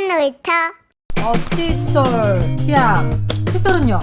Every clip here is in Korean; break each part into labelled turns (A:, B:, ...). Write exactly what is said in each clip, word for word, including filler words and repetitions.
A: 놀이터.
B: 어, 칫솔, 치약. 칫솔은요?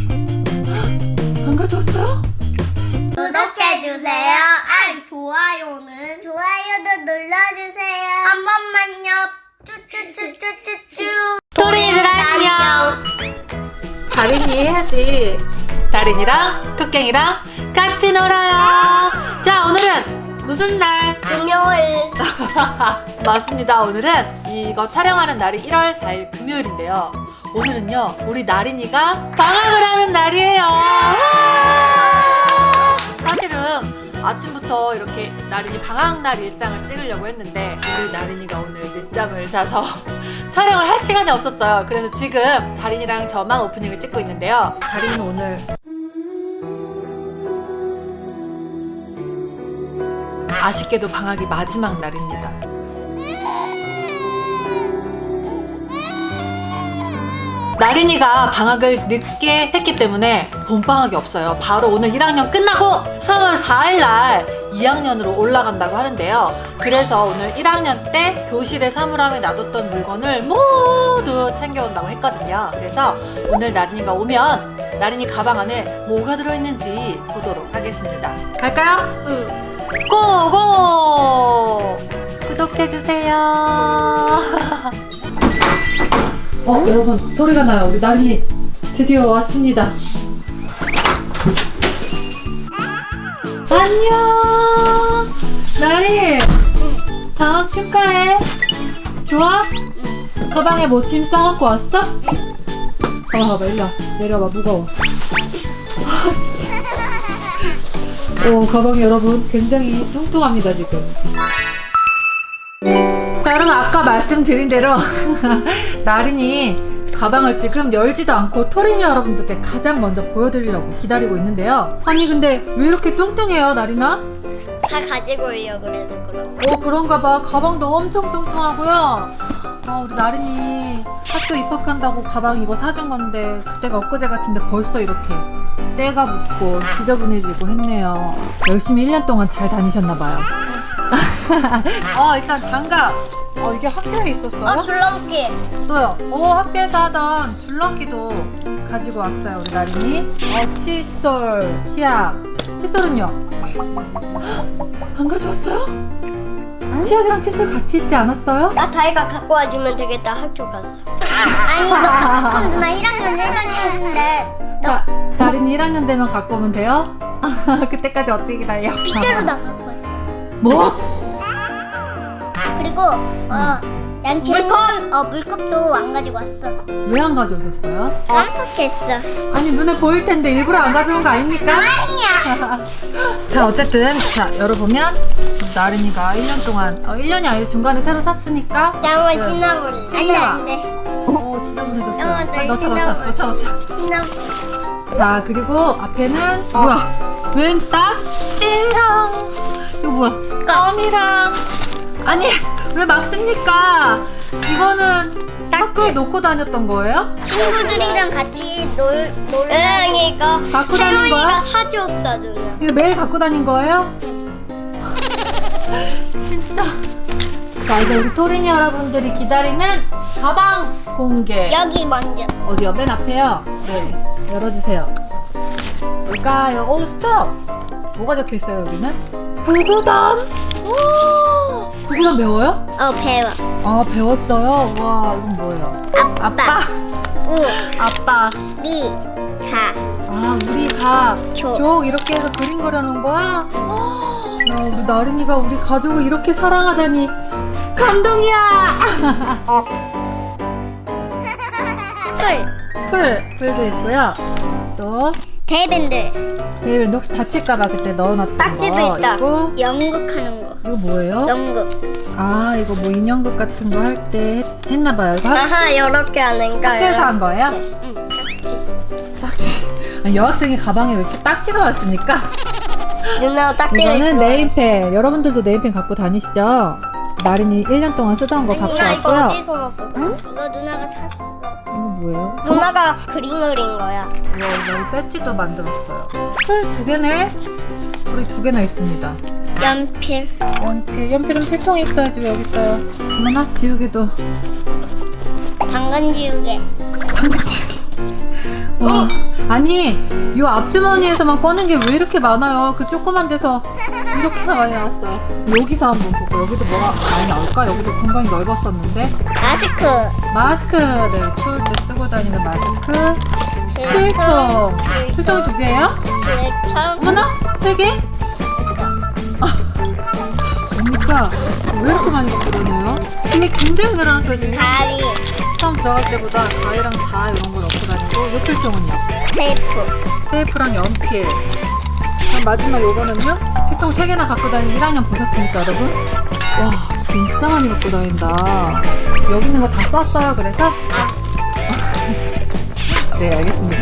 B: 안 가져왔어요?
A: 구독해주세요. 아, 좋아요는 좋아요도 눌러주세요. 한 번만요. 쭈쭈쭈쭈쭈쭈.
B: 토리들 안녕. 다린이 해야지. 다린이랑 토깽이랑 같이 놀아요. 자, 오늘은 무슨 날?
A: 금요일.
B: 맞습니다. 오늘은 이거 촬영하는 날이 일월 사일 금요일인데요. 오늘은요, 우리 나린이가 방학을 하는 날이에요. 사실은 아침부터 이렇게 나린이 방학날 일상을 찍으려고 했는데 우리 나린이가 오늘 늦잠을 자서 촬영을 할 시간이 없었어요. 그래서 지금 다린이랑 저만 오프닝을 찍고 있는데요. 다린이는 오늘 아쉽게도 방학이 마지막 날입니다. 나린이가 방학을 늦게 했기 때문에 봄방학이 없어요. 바로 오늘 일 학년 끝나고 삼월 사일 날 이 학년으로 올라간다고 하는데요. 그래서 오늘 일 학년 때 교실에 사물함에 놔뒀던 물건을 모두 챙겨온다고 했거든요. 그래서 오늘 나린이가 오면 나린이 가방 안에 뭐가 들어있는지 보도록 하겠습니다. 갈까요?
A: 응.
B: 고고! 구독해주세요. 어, 여러분, 소리가 나요. 우리 나린이 드디어 왔습니다. 안녕! 나린! 방학 축하해. 좋아? 가방에 뭐 짐 싸갖고 왔어? 봐봐, 봐봐, 일로 와. 내려봐, 무거워. 아, 진짜. 오, 가방이 여러분 굉장히 뚱뚱합니다, 지금. 자, 여러분 아까 말씀드린 대로 나린이 가방을 지금 열지도 않고 토리니 여러분들께 가장 먼저 보여드리려고 기다리고 있는데요. 아니 근데 왜 이렇게 뚱뚱해요, 나린아?
A: 다 가지고 오려고 그래서 그런 거.
B: 어, 그런가 봐. 가방도 엄청 뚱뚱하고요. 아, 우리 나린이 학교 입학한다고 가방 이거 사준 건데 그때가 엊그제 같은데 벌써 이렇게 때가 묻고 지저분해지고 했네요. 열심히 일 년 동안 잘 다니셨나 봐요. 어, 일단 장갑. 어, 이게 학교에 있었어요?
A: 어, 줄넘기.
B: 또요. 오, 학교에서 하던 줄넘기도 가지고 왔어요, 우리 나린이. 어, 칫솔, 치약. 칫솔은요? 안 가져왔어요? 응? 치약이랑 칫솔 같이 있지 않았어요?
A: 나 다이가 갖고 와주면 되겠다. 학교 가서. 아니 너 그럼 누나 일 학년 일 학년인데 너
B: 나, 나린이 일 학년 되면 갖고 오면 돼요? 그때까지 어떻게 기다려?
A: 빗자루 나 갖고 왔다.
B: 뭐?
A: 그리고 어 양치 물컵 어 물컵도 안 가지고 왔어.
B: 왜 안 가져오셨어요?
A: 깜빡했어.
B: 아니, 눈에 보일 텐데 일부러 안 가져온 거 아닙니까?
A: 아니야.
B: 자, 어쨌든 자, 열어보면 나린이가 일 년 동안 어, 일 년이 아니라 중간에 새로 샀으니까
A: 나만
B: 그,
A: 지나볼래. 안돼
B: 신내와.
A: 안돼.
B: 오, 지저분해졌어요.
A: 영화
B: 빨리 넣자, 넣자,
A: 지나볼래.
B: 넣자, 넣자.
A: 지나.
B: 자, 그리고 앞에는 뭐야? 웬 딱지랑 이거 뭐야? 껌이랑. 아니, 왜 막 씁니까? 이거는 학교에 놓고 다녔던 거예요?
A: 친구들이랑 같이 놀 놀. 응 이거
B: 갖고 다닌 거야?
A: 할머니가 사줬어 누나.
B: 이거 매일 갖고 다닌 거예요? 진짜. 자, 이제 우리 토리니 여러분들이 기다리는 가방 공개.
A: 여기 먼저.
B: 어디요? 맨 앞에요. 네, 열어주세요. 뭘까요? 오, 스톱! 뭐가 적혀있어요, 여기는? 구구단! 오! 구구단 배워요?
A: 어 배워.
B: 아, 배웠어요? 와, 이건 뭐예요? 아빠!
A: 우
B: 아빠!
A: 리 가.
B: 아, 우리 가.
A: 조.
B: 족 이렇게 해서 그림 그려놓은 거야? 헉, 야, 우리 나린이가 우리 가족을 이렇게 사랑하다니 감동이야!
A: 풀.
B: 풀, 풀도 있고요. 또
A: 대밴들.
B: 내일 혹시 다칠까봐 그때 넣어놨던
A: 딱지도
B: 거.
A: 있다.
B: 이거
A: 연극하는 거.
B: 이거 뭐예요?
A: 연극.
B: 아, 이거 뭐 인형극 같은 거 할 때 했나봐요. 이거 학-
A: 아하 이렇게 하는 거.
B: 학교에서 한 거예요?
A: 응.
B: 딱지. 아니, 여학생이 가방에 왜 이렇게 딱지가 왔습니까?
A: 누나 딱지를.
B: 이거는 네임펜. 여러분들도 네임펜 갖고 다니시죠? 나린이 일 년 동안 쓰던 거 갖고
A: 누나 이거
B: 왔고요.
A: 어디서 났어?
B: 응?
A: 이거 누나가 샀어.
B: 이거 뭐예요?
A: 누나가 그림 그린 거야.
B: 와, 여기 배지도 만들었어요. 풀 두 개네? 풀이 두 개나 있습니다.
A: 연필.
B: 연필. 연필은 필통에 있어야지 왜 여기 있어요? 어머나, 지우개도
A: 당근 지우개.
B: 당근치기. 와, 아니 요 앞주머니에서만 꺼낸 게 왜 이렇게 많아요? 그 조그만 데서 이렇게나 많이 나왔어요. 여기서 한번 보고 여기도 뭐가 많이 나올까? 여기도 공간이 넓었었는데.
A: 마스크.
B: 마스크, 네, 추울 때 쓰고 다니는 마스크. 필통.
A: 필통.
B: 필통이 두 개예요?
A: 필통.
B: 어머나, 세 개? 뭡니까? 왜 이렇게 많이 갖고 다녀요? 짐이 굉장히 늘어났어요 지금.
A: 가위.
B: 처음 들어갈 때보다 가위랑 자 이런 걸 넣고 다니고, 요 필통은요?
A: 테이프.
B: 테이프랑 연필. 그럼 마지막 요거는요? 필통 세 개나 갖고 다니는 일 학년 보셨습니까 여러분? 와 진짜 많이 갖고 다닌다. 여기 있는 거 다 썼어요 그래서? 네 알겠습니다.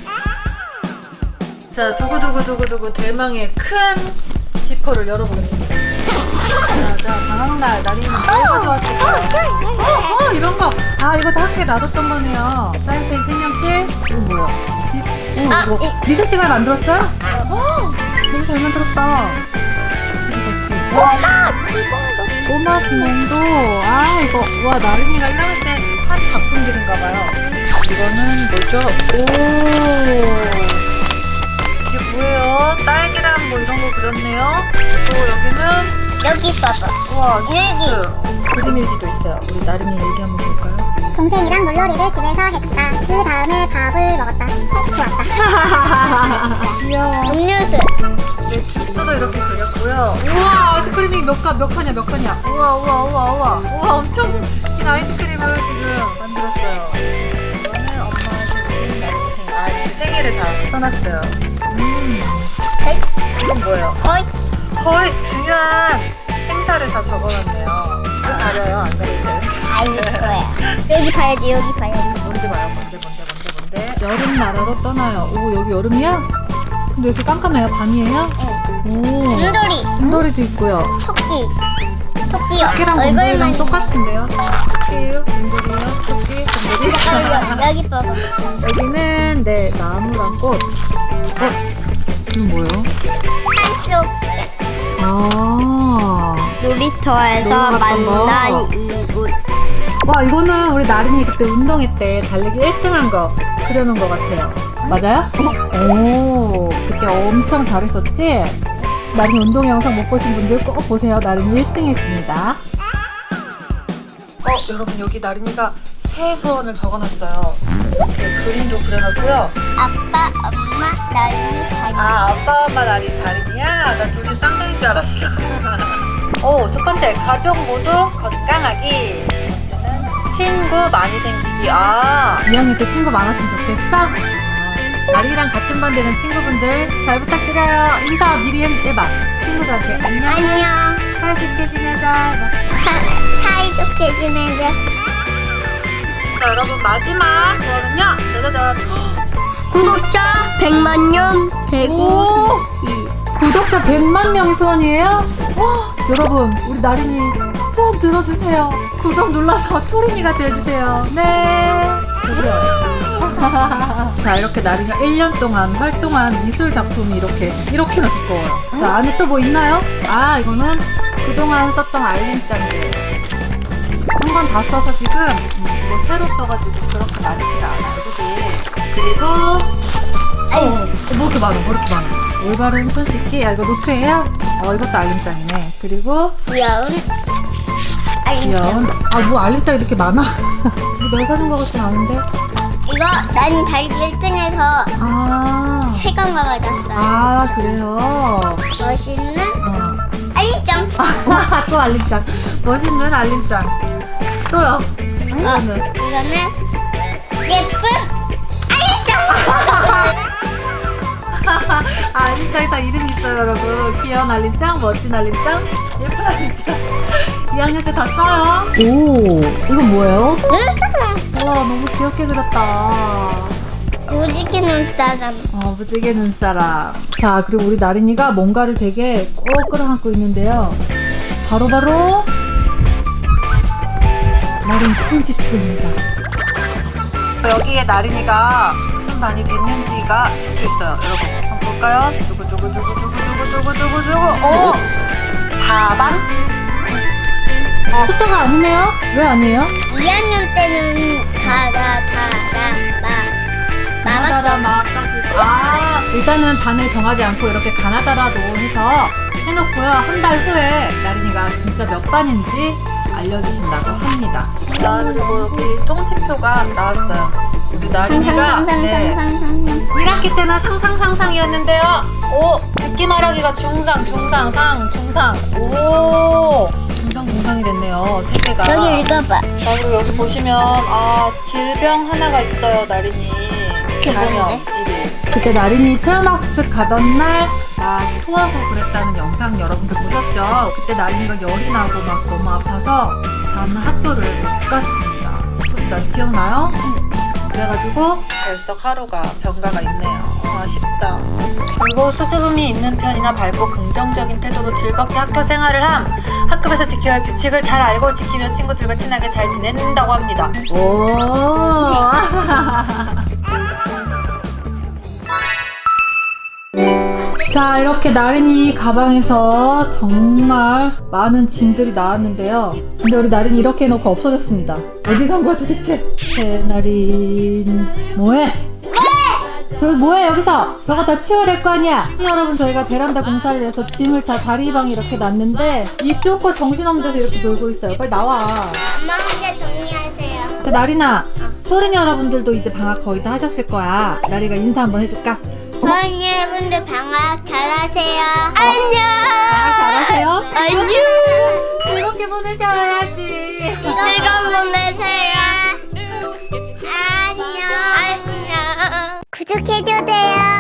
B: 자 두구두구두구두구 대망의 큰 지퍼를 열어보겠습니다. 자, 자 방학날 나린이는 뭘 가져왔을까요? 어, 어 이런 거. 아 이거 다 학교에 놔뒀던 거네요. 사인펜, 색연필. 이거 뭐야? 지- 오,
A: 아,
B: 이거
A: 이-
B: 미세 씨가 만들었어요? 어, 너무 잘 만들었다. 시기덕시.
A: 꼬마 기본도.
B: 꼬마 기몽도. 아 이거 와 나린이가 일 학년 때 한 작품들인가봐요. 이거는 뭐죠? 오 이게 뭐예요? 딸기랑 뭐 이런 거 그렸네요. 또 여기는
A: 여기 봐봐.
B: 우와
A: 일기.
B: 그림 일기도 있어요. 우리 나린이 일기 한번 볼까요?
C: 동생이랑 물놀이를 집에서 했다. 그 다음에 밥을 먹었다. 스케치 좋았다.
B: 귀여워.
A: 음료수.
B: 네, 주스도 이렇게 그렸고요. 우와 아이스크림이 몇 칸, 몇 칸이야, 몇 칸이야. 우와, 우와, 우와, 우와. 우와 엄청 긴 아이스크림을 지금 만들었어요. 이거는 엄마의 생일, 나의 생일. 아, 이렇게 세 개를 다 써놨어요. 음,
A: 백.
B: 이건 뭐예요?
A: 거의.
B: 거의 중요한 행사를 다 적어놨네요. 이거 가려요, 안 가려도 돼요?
A: 아닐 거야. 여기 봐야지, 여기 봐야지.
B: 뭔데 봐요, 뭔데, 뭔데, 뭔데, 뭔데. 여름 나라로 떠나요. 오, 여기 여름이야? 근데 왜 이렇게 깜깜해요? 밤이에요?
A: 응.
B: 오.
A: 곰돌이.
B: 곰돌이도 있고요.
A: 토끼. 토끼요.
B: 토끼랑
A: 얼굴만
B: 곰돌이랑 똑같은데요? 토끼예요? 곰돌이요? 토끼? 곰돌이?
A: 여기, 여기 봐봐.
B: 여기는 네 나무랑 꽃. 어? 이건 뭐예요?
A: 한쪽
B: 아.
A: 놀이터에서
B: 놀러 갔던 거.
A: 만난 이웃.
B: 와 이거는 우리 나린이 그때 운동회 때 달리기 일 등 한 거 그려놓은 것 같아요. 맞아요? 오 그때 엄청 잘했었지? 나린이 운동 영상 못 보신 분들 꼭 보세요. 나린이 일 등 했습니다. 어 여러분 여기 나린이가 새 소원을 적어놨어요. 이렇게 그림도 그려놨고요.
A: 아빠, 엄마, 나린이, 다리.
B: 아 아빠 엄마 나린이 다린이야? 나 둘이 쌍둥이인 줄 알았어. 오 첫 번째 가족 모두 건강하기. 두 번째는 친구 많이 생기기. 아 이 학년 때 친구 많았으면 좋겠어? 아, 나린이랑 같은 반 되는 친구분들 잘 부탁드려요. 인사 미리 해- 해봐. 친구들한테 안녕.
A: 안녕.
B: 사이좋게 지내자. 해봐.
A: 사, 사이좋게 지내자.
B: 자 여러분 마지막 거는요. 짜자잔.
A: 구독자 백만 명 되고
B: 오!
A: 싶지.
B: 구독자 백만 명이 소원이에요? 어, 여러분 우리 나린이 소원 들어주세요. 구독 눌러서 토린이가 돼주세요. 네. 자 이렇게 나린이가 일 년 동안 활동한 미술 작품이 이렇게 이렇게나 두꺼워요. 자 안에 또 뭐 있나요? 아 이거는 그동안 썼던 알림장들 한 번 다 써서 지금 음, 이거 새로 써가지고 그렇게 많지가 않아요. 그지? 그리고 어, 뭐 이렇게 많아 뭐 이렇게 많아. 올바른 손 씻기. 야 이거 노트예요? 어 이것도 알림장이네. 그리고
A: 귀여운
B: 귀여운
A: 알림장.
B: 아 뭐 알림장 이렇게 많아. 이거 내가 사준 거 같진 않은데.
A: 이거 나는 달기 일 등에서
B: 아,
A: 세 강가 받았어요.
B: 아 그래요.
A: 멋있는
B: 어.
A: 알림장.
B: 또 알림장. 멋있는 알림장. 또요.
A: 어,
B: 이거는
A: 이거는 예쁜 알림장.
B: 아, 알림장에 다 이름이 있어요, 여러분. 귀여운 알림장, 멋진 알림장, 예쁜 알림장. 이 학년 때 다 써요. 오, 이건 뭐예요?
A: 눈사람.
B: 우와, 너무 귀엽게 그렸다.
A: 무지개 눈사람.
B: 어, 무지개 눈사람. 자, 그리고 우리 나린이가 뭔가를 되게 꼭 끌어안고 있는데요. 바로바로 나린 꿀집입니다. 여기에 나린이가 무슨 반이 됐는지가 적혀 있어요. 여러분, 한번 볼까요? 두구두구두구두구두구두구두구. 오! 다반? 숫자가 아니네요? 왜 아니에요?
A: 이 학년 때는 가다 다라 마
B: 가나다라 마까지. 아, 일단은 반을 정하지 않고 이렇게 가나다라로 해서 해놓고요. 한 달 후에 나린이가 진짜 몇 반인지 알려주신다고 합니다. 자, 그리고 여기 통지표가 나왔어요. 우리 나린이가 네, 일 학기 때는 상상상상이었는데요. 오, 듣기 말하기가 중상, 중상, 상, 중상. 오, 중상, 중상이 됐네요. 세 개가.
A: 여기 읽어봐.
B: 자, 그리고 여기 보시면 아, 질병 하나가 있어요, 나린이. 감염 일 위. 그때 나린이 체험학습 가던 날 아, 토하고 그랬다는 영상 여러분들 보셨죠? 그때 나린이가 열이 나고 막 너무 아파서 다음날 학교를 못 갔습니다. 혹시 나 기억나요? 그래가지고 결석 하루가 병가가 있네요. 어, 아쉽다. 그리고 수줍음이 있는 편이나 밝고 긍정적인 태도로 즐겁게 학교 생활을 함. 학급에서 지켜야 할 규칙을 잘 알고 지키며 친구들과 친하게 잘 지낸다고 합니다. 오. 자, 이렇게 나린이 가방에서 정말 많은 짐들이 나왔는데요. 근데 우리 나린이 이렇게 해놓고 없어졌습니다. 어디 산 거야 도대체? 새나린 뭐해? 저기 뭐해 여기서? 저거 다 치워야 될 거 아니야? 여러분, 저희가 베란다 공사를 해서 짐을 다 다리방에 이렇게 놨는데 입 좁고 정신없는 데서 이렇게 놀고 있어요. 빨리 나와.
A: 엄마 혼자 정리하세요.
B: 자, 나린아, 소린 여러분들도 이제 방학 거의 다 하셨을 거야. 나리가 인사 한번 해줄까?
A: 소은이 여러분들 방학 잘하세요. 안녕.
B: 방학 잘하세요?
A: 안녕.
B: 즐겁게 보내셔야지.
A: 즐거운 보내세요. 안녕. 안녕. 구독해주세요.